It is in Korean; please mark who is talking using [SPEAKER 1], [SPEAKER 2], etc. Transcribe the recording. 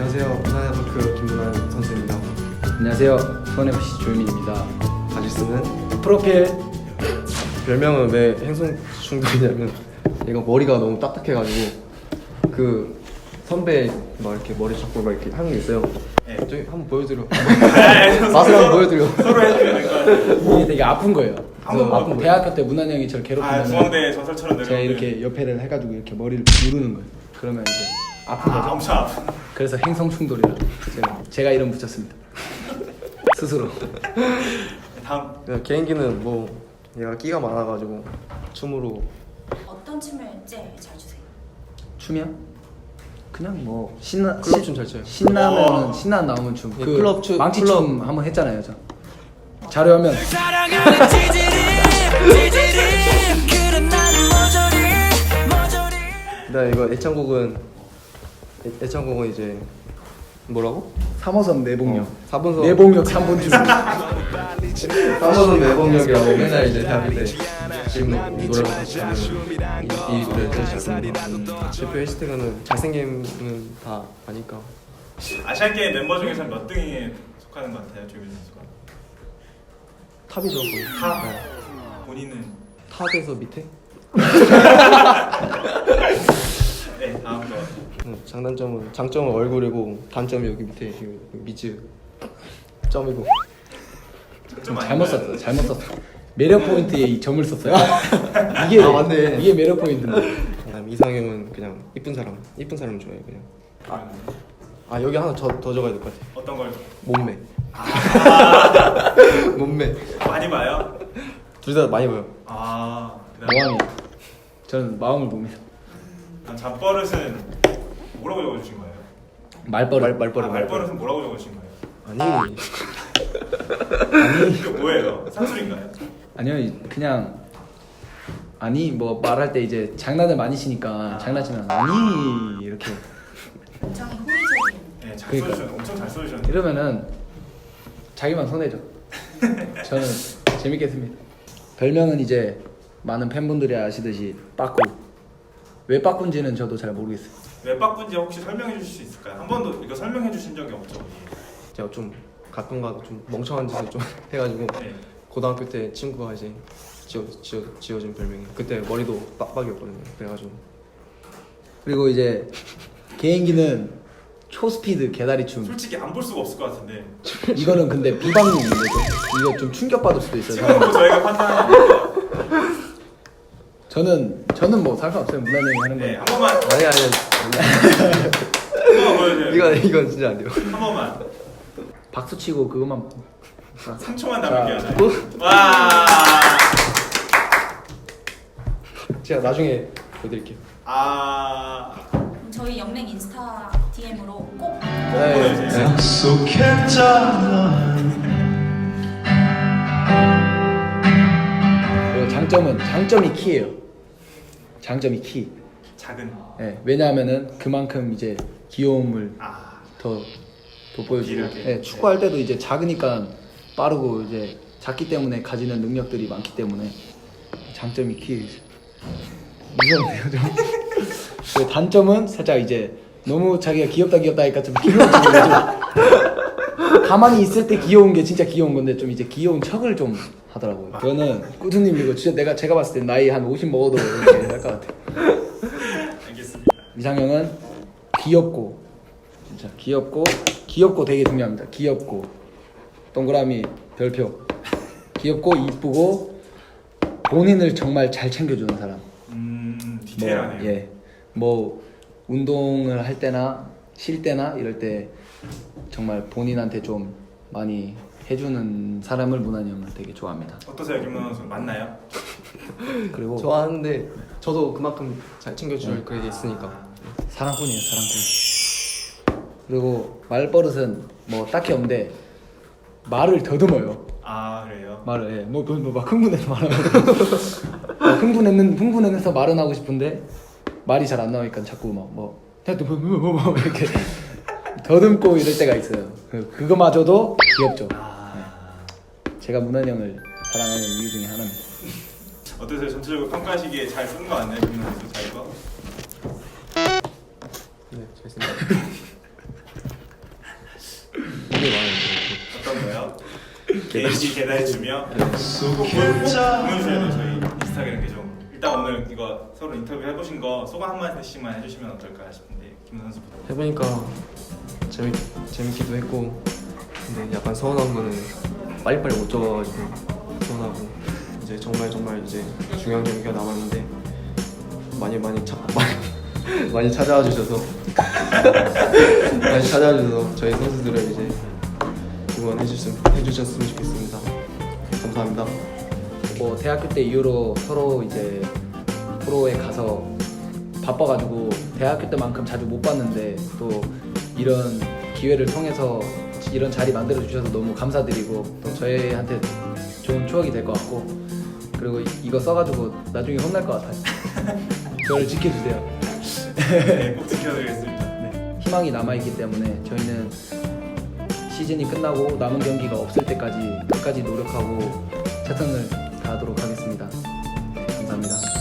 [SPEAKER 1] 안녕하세요. 부산FK 김문환 선수입니다.
[SPEAKER 2] 안녕하세요. 수원FC 조윤민입니다.
[SPEAKER 1] 다시 쓰는
[SPEAKER 2] 프로필.
[SPEAKER 1] 별명은 왜 행성 충돌이냐면 얘가 머리가 너무 딱딱해가지고 그 선배 막 이렇게 머리 잡고 막 이렇게 하는 게 있어요.
[SPEAKER 3] 네.
[SPEAKER 1] 저기 한번 보여드려. 맛을 한번 보여드려.
[SPEAKER 3] 서로 해주는 거.
[SPEAKER 2] 이게 되게 아픈 거예요. 그래서
[SPEAKER 1] 아픈 거예요?
[SPEAKER 2] 대학교 때 문환 형이 저를 괴롭히면
[SPEAKER 3] 중앙대 전설처럼
[SPEAKER 2] 제가
[SPEAKER 3] 내려오는.
[SPEAKER 2] 이렇게 옆에를 해가지고 이렇게 머리를 누르는 거예요. 그러면 이제 아픈 거죠.
[SPEAKER 3] 엄청 아픈.
[SPEAKER 2] 그래서 행성 충돌이라고 제가 이름 붙였습니다. 스스로.
[SPEAKER 3] 다음.
[SPEAKER 1] 개인기는 뭐 얘가 끼가 많아가지고 춤으로
[SPEAKER 4] 어떤 춤을 제일 잘 추세요?
[SPEAKER 2] 춤이요? 그냥 뭐 신나
[SPEAKER 1] 클럽 춤 잘 춰요.
[SPEAKER 2] 신나면 신나 나오는 춤.
[SPEAKER 1] 예,
[SPEAKER 2] 그
[SPEAKER 1] 클럽 춤,
[SPEAKER 2] 망치
[SPEAKER 1] 클럽.
[SPEAKER 2] 춤 한번 했잖아요, 저. 자료하면
[SPEAKER 1] 나 이거 애창곡은 이제 뭐라고?
[SPEAKER 2] 3호선 내복역.
[SPEAKER 1] 4번선
[SPEAKER 2] 내복역 3번 줄.
[SPEAKER 1] 3번선 내복역이라고 맨날 이제 대학교 때 지금 노래를 같이 하면 이 노래를 제일 잘 부릅니다. 대표 해시태그는 잘생김은 다 아니까
[SPEAKER 3] 아시안게임 멤버 중에서 몇 등에 속하는 것 같아요, 조민 선수가?
[SPEAKER 1] 탑이죠 거의.
[SPEAKER 3] 탑.
[SPEAKER 1] 네.
[SPEAKER 3] 본인은.
[SPEAKER 1] 탑에서 밑에?
[SPEAKER 3] 네, 다음 거.
[SPEAKER 1] 장점은 얼굴이고 단점이 여기 밑에 여기 미즈 점이고.
[SPEAKER 3] 좀
[SPEAKER 2] 잘못
[SPEAKER 3] 아닌가요?
[SPEAKER 2] 썼어. 잘못 썼어. 매력 포인트에 이 점을 썼어요. 이게
[SPEAKER 1] 아, 맞네.
[SPEAKER 2] 이게 매력 포인트인데.
[SPEAKER 1] 그다음 이상형은 그냥 이쁜 사람 좋아해요 그냥. 아 여기 하나 더 적어야 될 것 같아.
[SPEAKER 3] 어떤 걸
[SPEAKER 1] 몸매. 몸매.
[SPEAKER 3] 많이 봐요?
[SPEAKER 1] 둘 다 많이 보여.
[SPEAKER 3] 그다음에
[SPEAKER 2] 모함이. 저는 마음을 봅니다.
[SPEAKER 3] 잡버릇은 뭐라고 적어주신 거예요?
[SPEAKER 2] 말버릇.
[SPEAKER 3] 말버릇은 뭐라고 적어주신 거예요?
[SPEAKER 1] 아니
[SPEAKER 3] 이게 뭐예요? 산술인가요?
[SPEAKER 2] 아니요, 그냥 아니 뭐 말할 때 이제 장난을 많이 치니까 장난치면 아니 이렇게
[SPEAKER 4] 굉장히 호의적인.
[SPEAKER 3] 네, 잘
[SPEAKER 2] 그러니까요.
[SPEAKER 3] 써주셨는데 엄청 잘 써주셨는데.
[SPEAKER 2] 이러면은 자기만 손해죠. 저는 재밌게 했습니다. 별명은 이제 많은 팬분들이 아시듯이 빠꾸. 왜 빠꾸인지는 저도 잘 모르겠어요.
[SPEAKER 3] 왜 바꾼지 혹시 설명해 주실 수 있을까요? 한 번도 이거 설명해 주신 적이 없죠?
[SPEAKER 1] 제가 좀 가끔가다 좀 멍청한 짓을 좀 해가지고
[SPEAKER 3] 네.
[SPEAKER 1] 고등학교 때 친구가 이제 지어준 별명이 그때 머리도 빡빡이었거든요. 그래가지고
[SPEAKER 2] 그리고 이제 개인기는 초스피드 개다리춤.
[SPEAKER 3] 솔직히 안 볼 수가 없을 것 같은데
[SPEAKER 2] 이거는 근데 비방용인데 이거 좀 충격받을 수도 있어요.
[SPEAKER 3] 지금 뭐 저희가 판단하는
[SPEAKER 2] 저는 뭐 상관없어요. 문화 형이 하는
[SPEAKER 3] 네,
[SPEAKER 2] 거예요.
[SPEAKER 3] 한 번만
[SPEAKER 1] 아니
[SPEAKER 3] 한 번만 보여줘요.
[SPEAKER 1] 이건 진짜 안 돼요.
[SPEAKER 3] 한 번만
[SPEAKER 2] 박수 치고 그것만
[SPEAKER 3] 3초만 남을게요.
[SPEAKER 2] 자,
[SPEAKER 3] 저희. 와.
[SPEAKER 1] 제가 나중에 보여드릴게요.
[SPEAKER 4] 그럼 저희 연맹 인스타 DM으로 꼭
[SPEAKER 3] 보내주세요.
[SPEAKER 2] 그리고 장점이 키예요. 장점이 키.
[SPEAKER 3] 작은.
[SPEAKER 2] 예, 왜냐하면은 그만큼 이제 귀여움을 더 돋보여주고.
[SPEAKER 3] 이렇게.
[SPEAKER 2] 예, 축구할 때도 이제 작으니까 빠르고 이제 작기 때문에 가지는 능력들이 많기 때문에 장점이 키. 무서운데요 좀. 그리고 단점은 살짝 이제 너무 자기가 귀엽다 하니까 좀 귀여워지고 좀 가만히 있을 때 귀여운 게 진짜 귀여운 건데 좀 이제 귀여운 척을 좀 하더라고요. 저는 꾸준님 이거 진짜 제가 봤을 때 나이 한 50 먹어도 이렇게 할 것 같아요.
[SPEAKER 3] 알겠습니다.
[SPEAKER 2] 이상형은 귀엽고 진짜 귀엽고 되게 중요합니다. 귀엽고 동그라미 별표. 귀엽고 이쁘고 본인을 정말 잘 챙겨주는 사람.
[SPEAKER 3] 디테일하네요.
[SPEAKER 2] 예, 뭐 운동을 할 때나 쉴 때나 이럴 때 정말 본인한테 좀 많이 해주는 사람을 문환이 형은 되게 좋아합니다.
[SPEAKER 3] 어떠세요, 김문호 선수? 맞나요?
[SPEAKER 2] 그리고
[SPEAKER 1] 좋아하는데 저도 그만큼 잘 챙겨줄 그게 있으니까.
[SPEAKER 2] 사랑꾼이에요, 사랑꾼. 그리고 말버릇은 뭐 딱히 없는데 말을 더듬어요.
[SPEAKER 3] 그래요?
[SPEAKER 2] 말을 해. 막 흥분해서 말하고 흥분해서 말은 하고 싶은데 말이 잘 안 나오니까 자꾸 뭐 이렇게 더듬고 이럴 때가 있어요. 그거마저도 귀엽죠. 네. 제가 문환 형을 사랑하는 이유 중에 하나입니다.
[SPEAKER 3] 어떠세요? 전체적으로 평가하시기에 잘 쓰는 거 같나요, 김문호 선수? 잘 거?
[SPEAKER 1] 네, 잘 쓴다.
[SPEAKER 3] 개인기 계단해주며
[SPEAKER 1] 네.
[SPEAKER 3] 공유주에도 저희 인스타그램 계정 일단 오늘 이거 서로 인터뷰 해보신 거 소감 한 마디씩만 해주시면 어떨까 싶은데 김 선수부터.
[SPEAKER 1] 해보니까 재밌기도 했고 근데 약간 서운한 거는 빨리빨리 못 적어가지고 서운하고 이제 정말 이제 중요한 경기가 남았는데 많이 찾아와 주셔서 저희 선수들을 이제 응원해 주셨으면 좋겠습니다. 감사합니다.
[SPEAKER 2] 뭐 대학교 때 이후로 서로 이제 프로에 가서 바빠가지고 대학교 때만큼 자주 못 봤는데 또 이런 기회를 통해서 이런 자리 만들어 주셔서 너무 감사드리고 또 저희한테 좋은 추억이 될 것 같고 그리고 이거 써가지고 나중에 혼날 것 같아요. 저를 지켜주세요.
[SPEAKER 3] 네, 꼭 지켜드리겠습니다.
[SPEAKER 2] 희망이 남아있기 때문에 저희는 시즌이 끝나고 남은 경기가 없을 때까지 끝까지 노력하고 최선을 다하도록 하겠습니다. 감사합니다.